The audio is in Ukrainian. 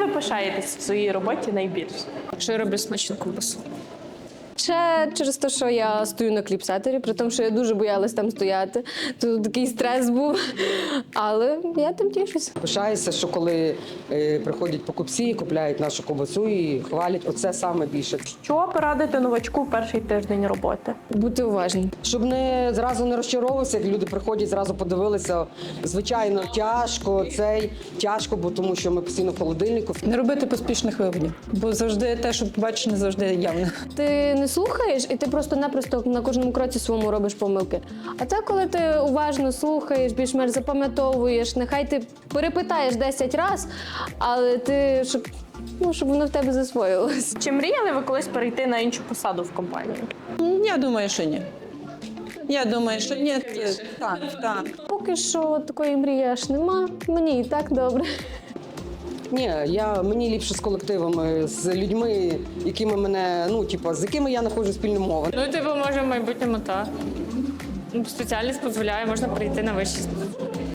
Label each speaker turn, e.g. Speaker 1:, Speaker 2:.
Speaker 1: ви пишаєтесь в своїй роботі найбільше?
Speaker 2: Що я роблю смачну ковбасу.
Speaker 3: Ще через те, що я стою на кліпсетері, при тому, що я дуже боялась там стояти. Тут такий стрес був, але я тим тішуся.
Speaker 4: Пишаюся, що коли приходять покупці, купляють нашу ковбасу і хвалять, оце саме більше.
Speaker 1: Що порадити новачку в перший тиждень роботи?
Speaker 3: Бути уважним.
Speaker 4: Щоб не зразу не розчаровувався, як люди приходять, зразу подивилися. Звичайно, тяжко, бо тому що ми постійно в холодильнику.
Speaker 5: Не робити поспішних виводів, бо завжди те, що побачиш, не завжди явне.
Speaker 3: Ти не слухаєш, і ти просто-напросто на кожному кроці своєму робиш помилки. А це коли ти уважно слухаєш, більш-менш запам'ятовуєш, нехай ти перепитаєш 10 разів, але ти, щоб воно в тебе засвоїлось.
Speaker 1: Чи мріяли ви колись перейти на іншу посаду в компанії?
Speaker 5: Я думаю, що ні. Я думаю, що ні. Так.
Speaker 3: Поки що такої мрії аж нема, мені і так добре.
Speaker 4: Ні, мені ліпше з колективами, з людьми, з якими я знаходжу спільну мову.
Speaker 2: Може в майбутньому так. Спеціальність дозволяє, можна перейти на вищий.